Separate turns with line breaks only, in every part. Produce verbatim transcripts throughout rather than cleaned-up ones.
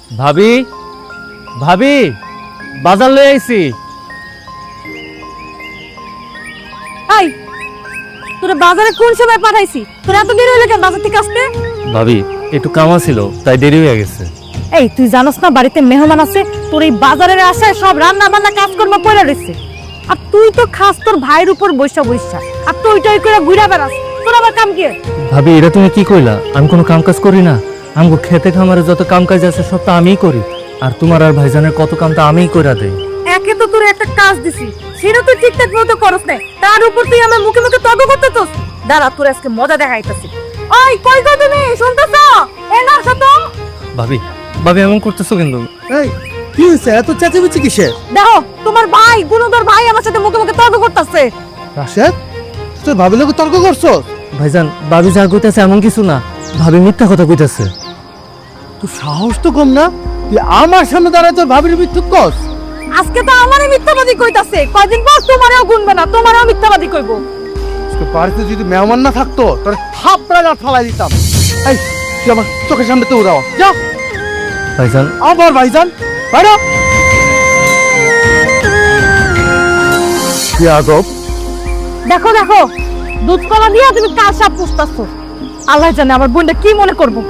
ভাবি ভাবি বাজার লয়ে আইছি।
এই তোরা বাজারে কোন সময় পাঠাইছি? তোরা এত দেরি হলো কেন বাজার থেকে আসতে?
ভাবি একটু কামা ছিল তাই দেরি হয়ে গেছে।
এই তুই জানোস না বাড়িতে মেহমান আছে? তোর এই বাজারের আশায় সব রান্না বান্না কাজকর্ম পড়ে রয়েছে, আর তুই তো খাস তোর ভাইয়ের উপর বৈশা বৈশা, আর তুই টই করে ঘুরে বেড়াস। তোর আবার কাম কি?
ভাবি এটা তুমি কি কইলা? আমি কোনো কাম কাজ করি না। আমগো খেতে খামারে যত কাম কাজ আছে সব তো আমিই করি, আর তোমার আর ভাইজানের কত কাম তো আমিই কইরা দেই।
একে তো তোর একটা কাজ দিছি, সেটা তুই ঠিকঠাক মতো করস না, তার উপর তুই আমার মুখে মুখে তর্ক করতেছস। দাঁড়া তোর আজকে মজা দেখাইতাছি। ওই কই গো তুমি, শুনতেছো? এ না শত।
ভাবি ভাবি এমন করতেছো কিন্তু?
এই কি হইছে? এত চেঁচামেচি কিসের?
দেখো তোমার ভাই গুণধর ভাই আমার সাথে মুখে মুখে তর্ক করতেছে।
রাশেদ, তুই ভাবিলে তর্ক করছো?
ভাইজান ভাবি যা কইতাছে এমন কিছু না, ভাবি মিথ্যা কথা কইতাছে।
তুই সাহস তো কম না, তুই আমার সামনে দাঁড়ায় তোর ভাবির মিথ্যুক কস?
আজকে তো আমারই মিথ্যাবাদী কইতাছে, কয়দিন পর তোমারও গুনবে না, তোমারও মিথ্যাবাদী কইবো।
আজকে বাড়িতে যদি মেহমান না থাকতো তোর থাপড়া গাছ ফালাই দিতাম। এই তুই আমার চোখের সামনে তো উড়াও যা।
ভাইজান
আবার ভাইজান বাইরে। কি আদব!
দেখো দেখো দুধ কলা দিয়া তুমি কাল সাপ পুষতাছো। আল্লাহ জানে আমার বোনটা কি মনে করবো।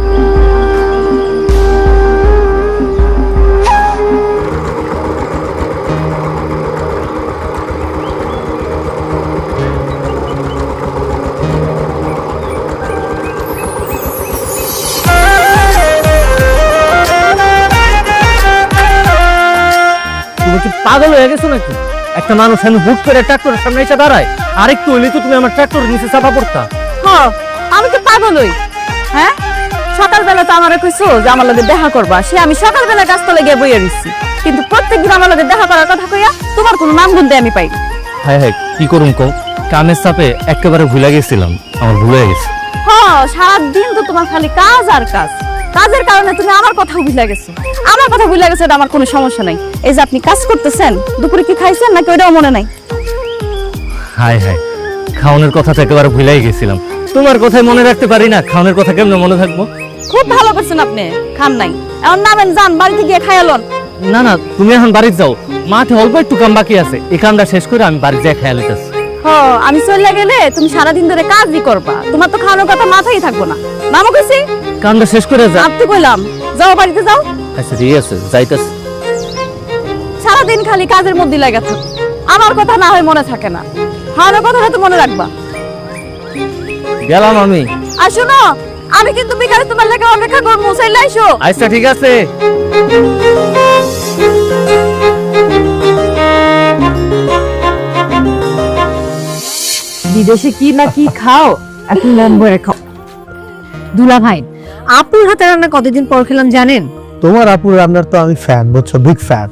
তুমি কি পাগল হয়ে গেছো নাকি? একটা মানুষ আমি হুট করে ট্রাক্টরের সামনে এসে দাঁড়ায়, আরেকটু হইলে তো তুমি আমার ট্রাক্টরের নিচে চাপা পড়তা।
হ্যাঁ আমি তো পাগল হই। হ্যাঁ সকালবেলা তো আমারে কইছো যে আমার লগে দেখা করবা, সে আমি সকালবেলা গাছতলে গিয়ে বইয়া রইছি, কিন্তু প্রত্যেকদিন আমার লগে দেখা করার কথা কইয়া তোমার কোনো নাম গুনতে আমি পাই।
হ্যাঁ হ্যাঁ কি করুম কও, কামের চাপে একেবারে ভুলে গেছিলাম, আমার ভুল হয়ে গেছে।
হ্যাঁ সারাদিন তো তোমার খালি কাজ আর কাজ, কাজের কারণে তুমি আমার কথা ভুলে গেছো। আমার কথা ভুলে গেছে, এটা আমার কোনো সমস্যা নাই। এই যে আপনি কাজ করতেছেন, দুপুরে কি খাইছেন নাকি ওইটাও মনে নাই?
হায় হায়, খাওনের কথা তো একেবারে ভুলেই গেছিলাম। তোমার কথাই মনে রাখতে পারি না, খাওনের কথা কেমনে মনে থাকবো?
খুব ভালো করছেন আপনি, খান নাই এখন নামেন, যান বাড়িতে গিয়ে খাইয়ালন।
না না তুমি এখন বাড়িতে যাও, মাঠে অল্প একটু কাম বাকি আছে, এই কামটা শেষ করে আমি বাড়ি যাই খেয়াল হইতেছি।
হ আমি চলে গেলে তুমি সারাদিন ধরে কাজই করবা, তোমার তো খাওয়ানোর কথা মাথায় থাকবো না। নামও কইছি
কামটা শেষ করে যা।
আপনি কইলাম যাও বাড়িতে যাও।
আচ্ছা ঠিক আছে যাইতেছি।
সারাদিন খালি কাজের মধ্যে লাগা থাকো, আমার কথা না হয় মনে থাকে না, খাওয়ানোর কথাটা তো মনে রাখবা।
গেলাম আমি।
আর শোনো আমি কিন্তু বিকালে তোমার লেগে অপেক্ষা করবো, চাইলে আইসো।
আচ্ছা ঠিক আছে।
বিদেশে কি না কি খাও, এখন মন ভরে খাও। দুলা ভাই আপুর হাতে রান্না কতদিন পর খেলাম জানেন?
তোমার আপুর রান্নার তো আমি ফ্যান, বুঝছো, বিগ ফ্যান।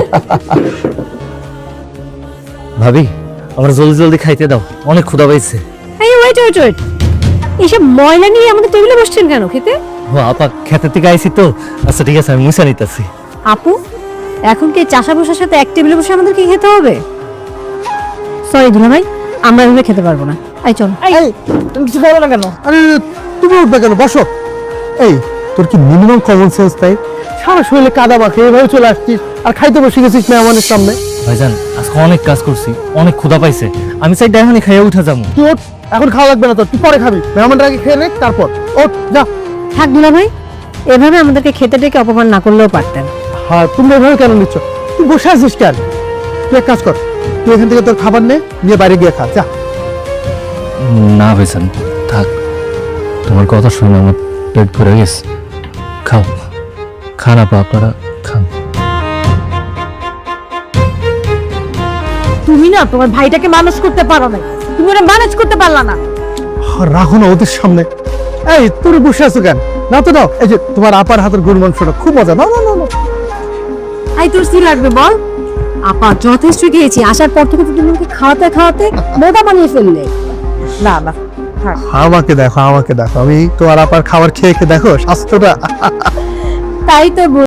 ভাবি আমার জলদি জলদি খাইতে দাও, অনেক ক্ষুধা পাইছে।
এই ওয়েট ওয়েট ওয়েট, এইসব ময়লা নিয়ে আমাদের টেবিলে বসছেন কেন খেতে?
ও আপা খেতে থেকে আইছি তো। আচ্ছা ঠিক আছে আমি মুছা নিতেছি।
আপু এখন কি চাষা বসার সাথে এক টেবিলে বসে আমাদেরকে খেতে হবে? সরি দুলা ভাই, আমরা এভাবে খেতে পারবো না। আই চল।
এই তুমি কিছু বলো না কেন? আরে তুমি উঠবে কেন? বসো। এই তোর কি মিনিমাম কমন সেন্স তাই? সারা শরীরে কাদা মাখে এভাবে চলে আসছিস আর খাইতে বসে গেছিস মেহমানের সামনে।
ভাইজান আজকে অনেক কাজ করছি, অনেক ক্ষুধা পাইছে, আমি চাই এখনই খাইয়া উঠা যাবো।
তুই ওঠ, এখন খাওয়া লাগবে না তোর, তুই পরে খাবি। মেহমানরা আগে খেয়ে নে তারপর ওঠ যা।
থাক দুলা ভাই, এভাবে আমাদেরকে খেতে ডেকে অপমান না করলেও পারতেন।
হ্যাঁ তুমি এভাবে কেন নিচ্ছ? তুই বসে আছিস কেন? তুই এক কাজ কর, তুই এখান থেকে তোর খাবার নে, নিয়ে বাইরে গিয়ে খা যা।
না ভাইজান থাক, তোমার কথা শুনে আমার পেট ভরে গেছে। খাও, খান আপা, আপনারা খান।
তুমি না তোমার ভাইটাকে মানুষ করতে পারো না, তুমি ওরা ম্যানেজ করতে পারলা না।
রাখো না ওদের সামনে। এই তোর বসে আছো কেন? না তো দাও, এই যে তোমার আপার হাতের গরুর মাংসটা খুব মজা। না না না না
আই তোর কি লাগবে বল? আপা যথেষ্ট খেয়েছি, আসার পর থেকে তুমি আমাকে খাওয়াতে খাওয়াতে মোটা বানিয়ে ফেললে। না না থাক।
আমাকে দেখো, আমাকে দেখো, আমি তোমার আপার খাবার খেয়ে খেয়ে দেখো স্বাস্থ্যটা।
তাই তো